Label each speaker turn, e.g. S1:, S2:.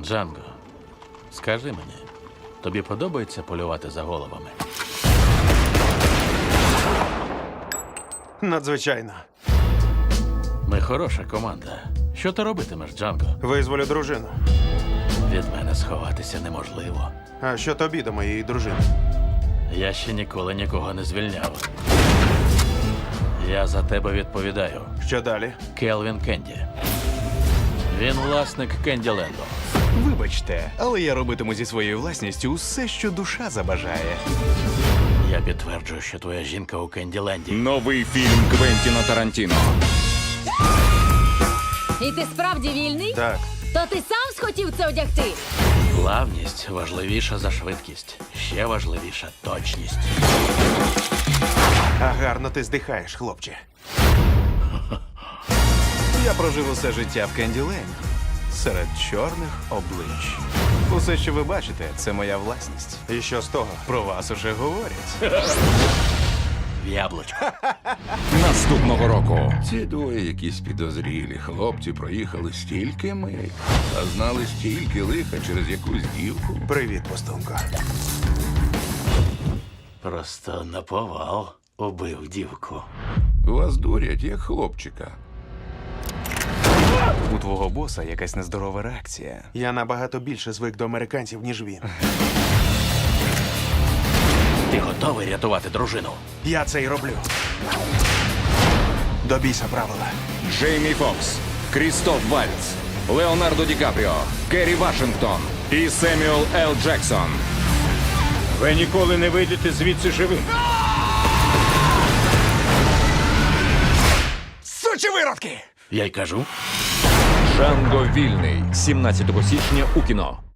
S1: Джанго, скажи мені, тобі подобається полювати за головами?
S2: Надзвичайно.
S1: Ми хороша команда. Що ти робитимеш, Джанго?
S2: Визволю дружину.
S1: Від мене сховатися неможливо.
S2: А що тобі до моєї дружини?
S1: Я ще ніколи нікого не звільняв. Я за тебе відповідаю.
S2: Що далі?
S1: Келвін Кенді. Він власник Кенділенду.
S3: Вибачте, але я робитиму зі своєю власністю усе, що душа забажає.
S1: Я підтверджую, що твоя жінка у Кенділенді.
S4: Новий фільм Квентіна Тарантіно.
S5: І ти справді вільний?
S2: Так.
S5: То ти сам схотів це одягти?
S1: Плавність важливіша за швидкість. Ще важливіша точність.
S2: А гарно ти здихаєш, хлопче.
S3: Я прожив усе життя в Кенділенді. Серед чорних облич. Усе, що ви бачите, це моя власність.
S2: І що з того?
S3: Про вас уже говорять.
S1: В яблучко.
S4: Наступного року.
S6: Ці двоє якісь підозрілі хлопці проїхали стільки миль, а знали стільки лиха через якусь дівку.
S2: Привіт, пустунко.
S1: Просто наповал убив дівку.
S6: Вас дурять, як хлопчика.
S3: У твого боса якась нездорова реакція.
S2: Я набагато більше звик до американців, ніж він.
S1: Ти готовий рятувати дружину?
S2: Я це й роблю. До біса правила.
S4: Джеймі Фокс, Крістоф Вальц, Леонардо Ді Капріо, Керрі Вашингтон і Семюел Л. Джексон.
S7: Ви ніколи не вийдете звідси живим.
S3: Сучі виродки!
S1: Я й кажу.
S4: Джанго вільний. 17 січня у кіно.